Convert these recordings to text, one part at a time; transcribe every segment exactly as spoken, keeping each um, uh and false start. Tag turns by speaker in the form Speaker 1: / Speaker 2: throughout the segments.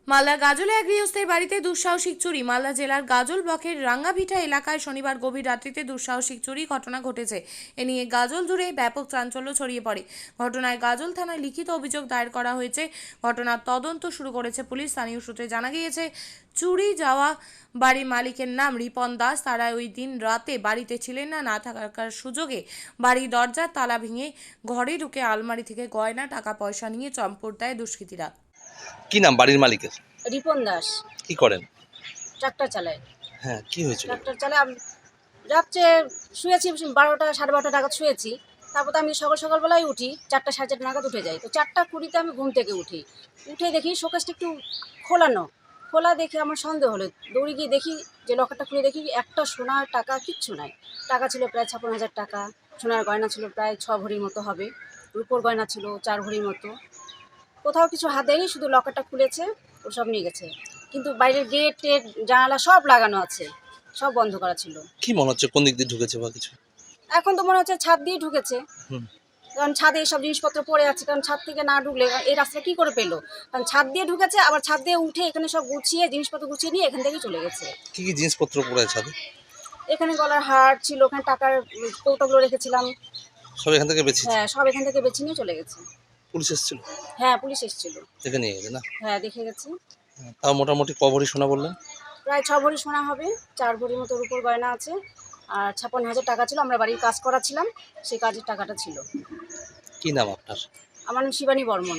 Speaker 1: মালদার গাজলে এক গৃহস্থের বাড়িতে দুঃসাহসিক চুরি। মালদা জেলার গাজল ব্লকের রাঙ্গাভিটা এলাকায় শনিবার গভীর রাত্রিতে দুঃসাহসিক চুরি ঘটনা ঘটেছে। এ নিয়ে গাজল জুড়ে ব্যাপক চাঞ্চল্য ছড়িয়ে পড়ে। ঘটনায় গাজল থানায় লিখিত অভিযোগ দায়ের করা হয়েছে। ঘটনার তদন্ত শুরু করেছে পুলিশ। স্থানীয় সূত্রে জানা গিয়েছে, চুরি যাওয়া বাড়ির মালিকের নাম রিপন দাস। তারা ওই দিন রাতে বাড়িতে ছিলেন না। না থাকার সুযোগে বাড়ির দরজার তালা ভেঙে ঘরে ঢুকে আলমারি থেকে গয়না, টাকা পয়সা নিয়ে চম্পট দেয় দুষ্কৃতীরা।
Speaker 2: কি নাম বাড়ির মালিকের?
Speaker 3: রিপন দাস।
Speaker 2: কি করেন?
Speaker 3: ট্রাক্টর চালায়।
Speaker 2: হ্যাঁ, কি হয়েছিল?
Speaker 3: ট্রাক্টর চালায়। আমি রাত্রে শুয়েছি, বারোটা সাড়ে বারোটা নাগাদ শুয়েছি। তারপর তো আমি সকাল সকালবেলায় উঠি, চারটা সাড়ে চারটা নাগাদ উঠে যাই। তো চারটা কুড়িতে আমি ঘুম থেকে উঠি। উঠে দেখি শোকেসটা একটু খোলানো, খোলা দেখে আমার সন্দেহ হলো। দৌড়ে গিয়ে দেখি যে লকারটা খুলে দেখি একটা সোনার টাকা কিচ্ছু নাই। টাকা ছিল প্রায় ছাপ্পান্ন হাজার টাকা, সোনার গয়না ছিল প্রায় ছ ভরির মতো হবে, রূপোর গয়না ছিল চার ভরির মতো। কোথাও কিছু হাত দেয়নি, শুধু লকারটা খুলেছে, ওসব নিয়ে গেছে। কিন্তু বাইরের গেট টেট জানালা সব লাগানো আছে, সব বন্ধ করা ছিল।
Speaker 2: কি মনে হচ্ছে কোন দিক দিয়ে ঢুকেছে বা কিছু?
Speaker 3: এখন তো মনে হচ্ছে ছাদ দিয়ে ঢুকেছে।
Speaker 2: হুম।
Speaker 3: কারণ ছাদে এইসব জিনিসপত্র পড়ে আছে, কারণ ছাদ থেকে না ঢুকলে এই রাস্তা কী করে পেলো? কারণ ছাদ দিয়ে ঢুকেছে, আবার ছাদ দিয়ে উঠে এখানে সব গুছিয়ে জিনিসপত্র গুছিয়ে নিয়ে এখান থেকেই চলে গেছে।
Speaker 2: কি কি জিনিসপত্র পড়ে আছে ছাদে?
Speaker 3: এখানে গলার হার ছিল, ওখানে টাকার কৌটোগুলো রেখেছিলাম।
Speaker 2: সব এখান থেকে বেঁচেছে?
Speaker 3: হ্যাঁ, সব এখান থেকে বেছে নিয়ে চলে গেছে।
Speaker 2: পুলিশ এসেছিল?
Speaker 3: হ্যাঁ, পুলিশ এসেছিল।
Speaker 2: দেখে নিয়ে গেছে না?
Speaker 3: হ্যাঁ, দেখে গেছে।
Speaker 2: হ্যাঁ, তাও মোটামুটি ক ভরি সোনা বললেন?
Speaker 3: প্রায় ছ ভরি সোনা হবে, চার ভরির মতো রূপোর গয়না আছে, আর ছাপ্পান্ন হাজার টাকা ছিল। আমরা বাড়ির কাজ করাছিলাম, সেই কাজের টাকাটা ছিল।
Speaker 2: কি নাম আপনার?
Speaker 3: আমার নাম শিবানী বর্মন।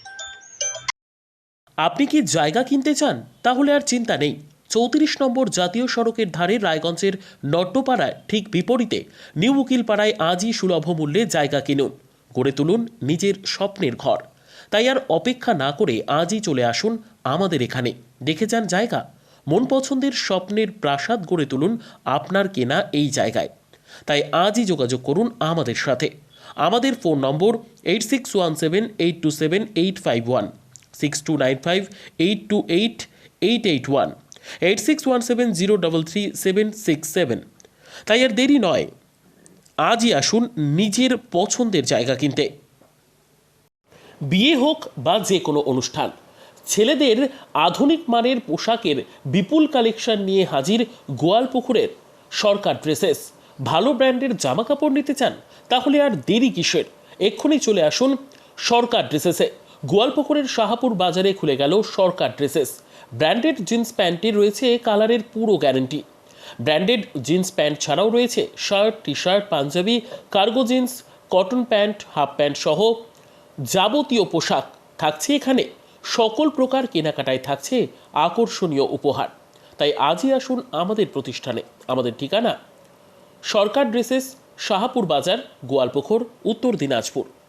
Speaker 4: আপনি কি জায়গা কিনতে চান? তাহলে আর চিন্তা নেই। চৌত্রিশ নম্বর জাতীয় সড়কের ধারে রায়গঞ্জের নট্টপাড়ায় ঠিক বিপরীতে নিউ উকিলপাড়ায় আজই সুলভ মূল্যে জায়গা কিনুন, গড়ে তুলুন নিজের স্বপ্নের ঘর। তাই আর অপেক্ষা না করে আজই চলে আসুন আমাদের এখানে, দেখে যান জায়গা। মন পছন্দের স্বপ্নের প্রাসাদ গড়ে তুলুন আপনার কেনা এই জায়গায়। তাই আজই যোগাযোগ করুন আমাদের সাথে। আমাদের phone number eight six one seven eight two seven eight five one, six two nine five eight two eight eight eight one, eight six one seven zero double three seven six seven. তাই আর দেরি নয়, আজই আসুন নিজের পছন্দের জায়গা কিনতে। বিয়ে হোক বা যে কোনো অনুষ্ঠান, ছেলেদের আধুনিক মানের পোশাকের বিপুল কালেকশন নিয়ে হাজির গোয়ালপুকুরের সরকার ড্রেসেস। ভালো ব্র্যান্ডের জামা কাপড় নিতে চান? তাহলে আর দেরি কিসের? এক্ষুনি চলে আসুন সরকার ড্রেসেসে। গোয়ালপুকুরের শাহাপুর বাজারে খুলে গেল সরকার ড্রেসেস। ব্র্যান্ডেড জিন্স প্যান্টে রয়েছে কালারের পুরো গ্যারেন্টি। ব্র্যান্ডেড জিন্স প্যান্ট ছাড়াও রয়েছে shirt, T shirt, panjabi, cargo jeans, cotton pant, half pant সহ যাবতীয় পোশাক থাকছে এখানে। সকল প্রকার কেনাকাটায় থাকছে আকর্ষণীয় উপহার। তাই আজই আসুন আমাদের প্রতিষ্ঠানে। আমাদের ঠিকানা সরকার ড্রেসেস, শাহাপুর বাজার, গোয়ালপুকুর, উত্তর দিনাজপুর।